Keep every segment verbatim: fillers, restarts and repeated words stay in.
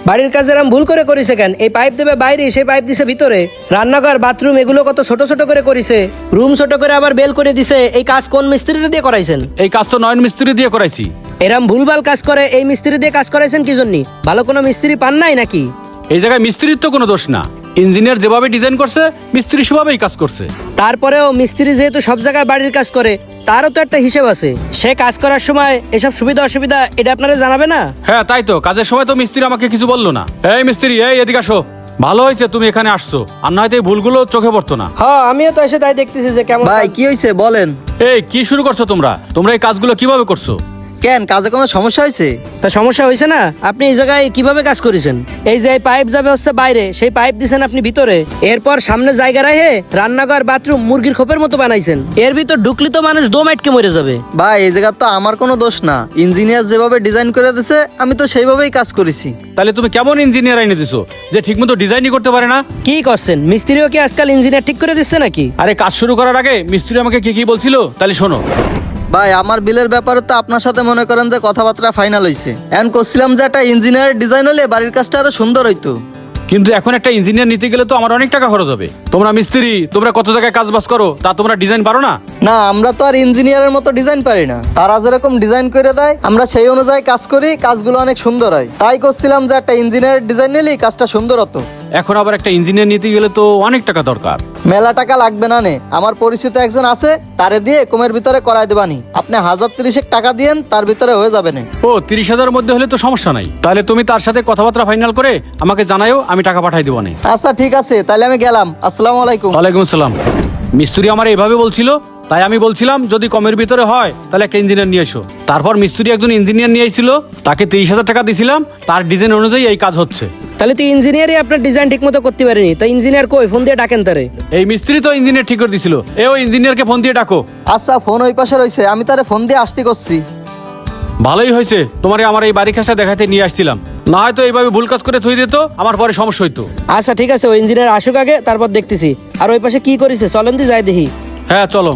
বাড়ির কাজ এরকম ভুল করে করেছে কেন? এই পাইপ দেবে বাইরে, সেই পাইপ দিছে ভিতরে। রান্নাঘর, বাথরুম এগুলো কত ছোট ছোট করে করেছে, রুম ছোট করে আবার বেল করে দিছে। এই কাজ কোন মিস্ত্রিটা দিয়ে করাইছেন? এই কাজ তো নয়ন মিস্ত্রি দিয়ে করাইছি। এরম ভুলভাল কাজ করে এই মিস্ত্রি দিয়ে কাজ করাইছেন কি জন্য? ভালো কোনো মিস্ত্রি পান নাই নাকি? এই জায়গায় মিস্ত্রির তো কোনো দোষ না, ইঞ্জিনিয়ার যেভাবে ডিজাইন করছে মিস্ত্রি সেভাবেই কাজ করছে। তারপরেও মিস্ত্রি যেহেতু সব জায়গায় বাড়ির কাজ করে, তারও তো একটা হিসেব আছে। সে কাজ করার সময় এসব সুবিধা অসুবিধা এটা আপনারা জানাবে না? হ্যাঁ তাই তো, কাজের সময় তো মিস্ত্রি আমাকে কিছু বললো না। এই মিস্ত্রি, এই এদিকে আসো। ভালো হয়েছে তুমি এখানে আসছো, আর নয়তো এই ভুলগুলো চোখে পড়তো না। হ্যাঁ, আমিও তো এসে তাই দেখতেছি যে কেমন ভাই কাজ- কি হয়েছে বলেন? এই কি শুরু করছো তোমরা? তোমরা এই কাজগুলো কিভাবে করছো? কেন, কাজে কোনো সমস্যা হয়েছে? তা সমস্যা হয়েছে না? আপনি এই জায়গায় কিভাবে কাজ করেছেন? এই যে পাইপ যাবে হচ্ছে বাইরে, সেই পাইপ দিছেন আপনি ভিতরে। এরপর সামনে জায়গা রাখে রান্নাঘর, বাথরুম মুরগির খোপের মতো বানাইছেন। এর ভিতর ঢুকলি তো মানুষ দম আটকে মরে যাবে। ভাই এই জায়গা তো আমার কোনো দোষ না, ইঞ্জিনিয়ার যেভাবে ডিজাইন করে দিয়েছে আমি তো সেইভাবেই কাজ করেছি। তাহলে তুমি কেমন ইঞ্জিনিয়ার এনে দিছো যে ঠিকমতো ডিজাইনই করতে পারে না? কি করছেন? মিস্ত্রিও কি আজকাল ইঞ্জিনিয়ার ঠিক করে দিচ্ছে নাকি? আরে কাজ শুরু করার আগে মিস্ত্রি আমাকে কি কি বলছিল তাহলে শোনো। ভাই আমার বিলের ব্যাপারে তো আপনার সাথে মনে করেন যে কথাবার্তা ফাইনাল হয়েছে। এমন করছিলাম যে একটা ইঞ্জিনিয়ার ডিজাইন হলে বাড়ির কাজটা আরো সুন্দর হইতো। কিন্তু এখন একটা ইঞ্জিনিয়ার নিতে গেলে তো আমার অনেক টাকা খরচ হবে। তোমরা মিস্ত্রি, তোমরা কত জায়গায় কাজ বাজ করো, তা তোমরা ডিজাইন পারো না? না, আমরা তো আর ইঞ্জিনিয়ারের মতো ডিজাইন পারি না। তারা যেরকম ডিজাইন করে দেয় আমরা সেই অনুযায়ী কাজ করি, কাজগুলো অনেক সুন্দর হয়। তাই করছিলাম যে একটা ইঞ্জিনিয়ার ডিজাইন নিলেই কাজটা সুন্দর হতো। এখন আবার একটা ইঞ্জিনিয়ার নিতে গেলে তো অনেক টাকা দরকার। মেলা টাকা লাগবে না নে, আমার পরিচিত একজন আছে, তারে দিয়ে কমের ভিতরে করাই দেবানি। আপনি হাজার তিরিশেক টাকা দিয়েন, তার ভিতরে হয়ে যাবে না। ও তিরিশ হাজারের মধ্যে হলে তো সমস্যা নাই। তাহলে তুমি তার সাথে কথাবার্তা ফাইনাল করে আমাকে জানাও, আমি টাকা পাঠাই দেবো না। আচ্ছা ঠিক আছে, তাহলে আমি গেলাম। আসসালামু আলাইকুম। ওয়ালাইকুম আসসালাম। মিস্ত্রি আমার এইভাবে বলছিল, তাই আমি বলছিলাম যদি কমের ভিতরে হয় তাহলে একটা ইঞ্জিনিয়ার নিয়ে এসো। তারপর মিস্ত্রি একজন ইঞ্জিনিয়ার নিয়ে এসেছিল, তাকে তিরিশ হাজার টাকা দিয়েছিলাম, তার ডিজাইন অনুযায়ী এই কাজ হচ্ছে। তাহলে তো ইঞ্জিনিয়ারই আপনার ডিজাইন ঠিক মতো করতে পারেনি। তা ইঞ্জিনিয়ার কই? ফোন দিয়ে ডাকেন তারে। এই মিস্ত্রি তো ইঞ্জিনিয়ার ঠিক করে দিছিল, এ ওই ইঞ্জিনিয়ারকে ফোন দিয়ে ডাকো। আচ্ছা, ফোন ওই পাশে রয়েছে, আমি তারে ফোন দিয়ে আসতে করছি। ভালোই হয়েছে তোমারে আমার এই বাড়ি কাজটা দেখাতে নিয়ে আসছিলাম, না হয়তো এইভাবে ভুল কাজ করে থই দিত, আমার পরে সমস্যা হইতো। আচ্ছা ঠিক আছে, ওই ইঞ্জিনিয়ার আসুক আগে, তারপর দেখতেছি। আর ওই পাশে কি করেছে চলেন দি যাই দেখি। হ্যাঁ চলো।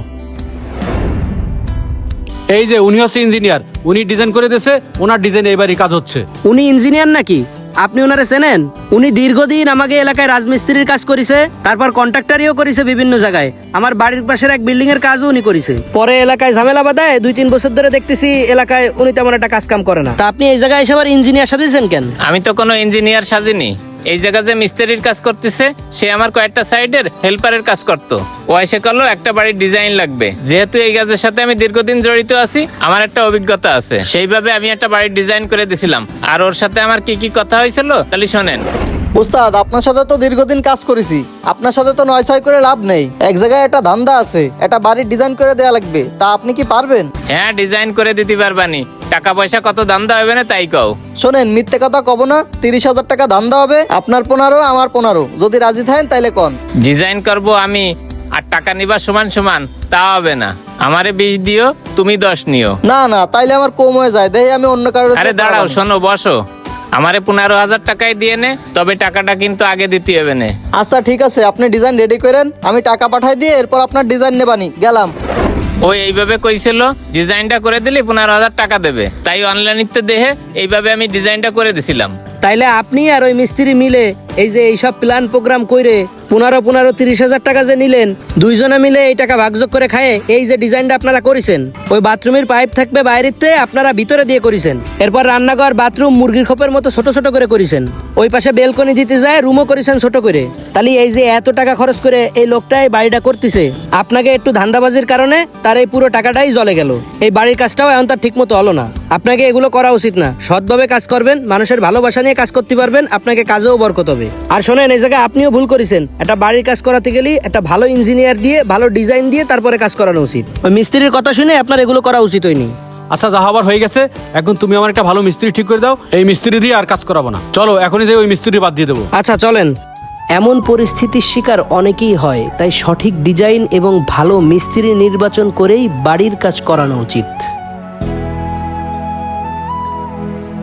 এই যে উনি হচ্ছে ইঞ্জিনিয়ার, উনি ডিজাইন করে দিয়েছে, ওনার ডিজাইন এইবারই কাজ হচ্ছে। উনি ইঞ্জিনিয়ার নাকি? আপনি ওনারে চেনেন? উনি দীর্ঘদিন আমাকে এলাকায় রাজমিস্ত্রির কাজ করেছে, তারপর কন্ট্রাক্টরিও করেছে বিভিন্ন জায়গায়। আমার বাড়ির পাশের এক বিল্ডিং এর কাজও উনি করেছে। পরে এলাকায় ঝামেলা বাধায় দুই তিন বছর ধরে দেখতেছি এলাকায় উনি তেমন একটা কাজ কাম করে না। তা আপনি এই জায়গায় এসে আবার ইঞ্জিনিয়ার সাজিয়েছেন কেন? আমি তো কোনো ইঞ্জিনিয়ার সাজিনি। এই জায়গা যে মিস্ত্রির কাজ করতেছে সে আমার কয়েকটা সাইডের হেল্পারের কাজ করতো। ও এসে করলো একটা বাড়ির ডিজাইন লাগবে। যেহেতু এই কাজের সাথে আমি দীর্ঘদিন জড়িত আছি, আমার একটা অভিজ্ঞতা আছে, সেইভাবে আমি একটা বাড়ির ডিজাইন করে দিছিলাম। আর ওর সাথে আমার কি কি কথা হয়েছিল তাহলে শোনেন। উস্তাদ, আপনার সাথে তো দীর্ঘদিন কাজ করেছি, আপনার সাথে তো নয় ছয় করে লাভ নেই। এক জায়গায় একটা ধান্দা আছে, একটা বাড়ির ডিজাইন করে দেয়া লাগবে, তা আপনি কি পারবেন? হ্যাঁ, ডিজাইন করে দিতে পারবানি। টাকা পয়সা কত ধান্দা হবে না তাই কও। শোনেন, মিথ্যে কথা কব না। তিরিশ হাজার টাকা ধান্দা হবে, আপনার পনেরো আমার পনেরো। যদি রাজি থাকেন তাইলে কন। ডিজাইন করবো আমি, আর টাকা নিবা সমান সমান, তা হবে না। আমারে বিশ দিও, তুমি দশ নিও। না না, তাইলে আমার কম হয়ে যায়, দেই আমি অন্য কারোর। আরে দাঁড়াও, শোনো, বসো। আমারে পনেরো হাজার টাকায় দিয়ে নে, তবে টাকাটা কিন্তু আগে দিতে হবে না। আচ্ছা ঠিক আছে, আপনি ডিজাইন রেডি করেন, আমি টাকা পাঠাই দিয়ে এরপর আপনার ডিজাইন নেবানি। গেলাম। ওই এইভাবে কইছিল ডিজাইনটা করে দিলে পনেরো হাজার টাকা দেবে, তাই অনলাইনে দেখে এইভাবে আমি ডিজাইনটা করে দিছিলাম। তাইলে আপনি আর ওই মিস্ত্রি মিলে এই যে এইসব প্ল্যান প্রোগ্রাম কইরে পনেরো পনেরো তিরিশ হাজার টাকা যে নিলেন, দুইজনে মিলে এই টাকা ভাগযোগ করে খায় এই যে ডিজাইনটা আপনারা করেছেন। ওই বাথরুমের পাইপ থাকবে বাইরেতে, আপনারা ভিতরে দিয়ে করেছেন। এরপর রান্নাঘর, বাথরুম মুরগির খোপের মতো ছোট ছোট করে করেছেন। ওই পাশে বেলকনি দিতে যায়, রুমও করেছেন ছোট করে। তাহলে এই যে এত টাকা খরচ করে এই লোকটাই বাড়িটা করতেছে, আপনাকে একটু ধান্দাবাজির কারণে তার এই পুরো টাকাটাই জলে গেল। এই বাড়ির কাজটাও এখন তার ঠিক মতো হলো না। আপনাকে এগুলো করা উচিত না। সৎভাবে কাজ করবেন, মানুষের ভালোবাসা নিয়ে কাজ করতে পারবেন, আপনাকে কাজেও বরকত হবে। আর শোনেন, এই জায়গায় আপনিও ভুল করেছেন। একটা বাড়ির কাজ করাতে গেলে একটা ভালো ইঞ্জিনিয়ার দিয়ে, ভালো ডিজাইন দিয়ে তারপরে কাজ করানো উচিত। ওই মিস্ত্রির কথা শুনে আপনার এগুলো করা উচিত হয়নি। আচ্ছা, যা হবার হয়ে গেছে, এখন তুমি আমার একটা ভালো মিস্ত্রি ঠিক করে দাও। এই মিস্ত্রি দিয়ে আর কাজ করাবো না। চলো এখনই যে ওই মিস্ত্রি বাদ দিয়ে দেবো। আচ্ছা চলেন। এমন পরিস্থিতির শিকার অনেকেই হয়, তাই সঠিক ডিজাইন এবং ভালো মিস্ত্রি নির্বাচন করেই বাড়ির কাজ করানো উচিত।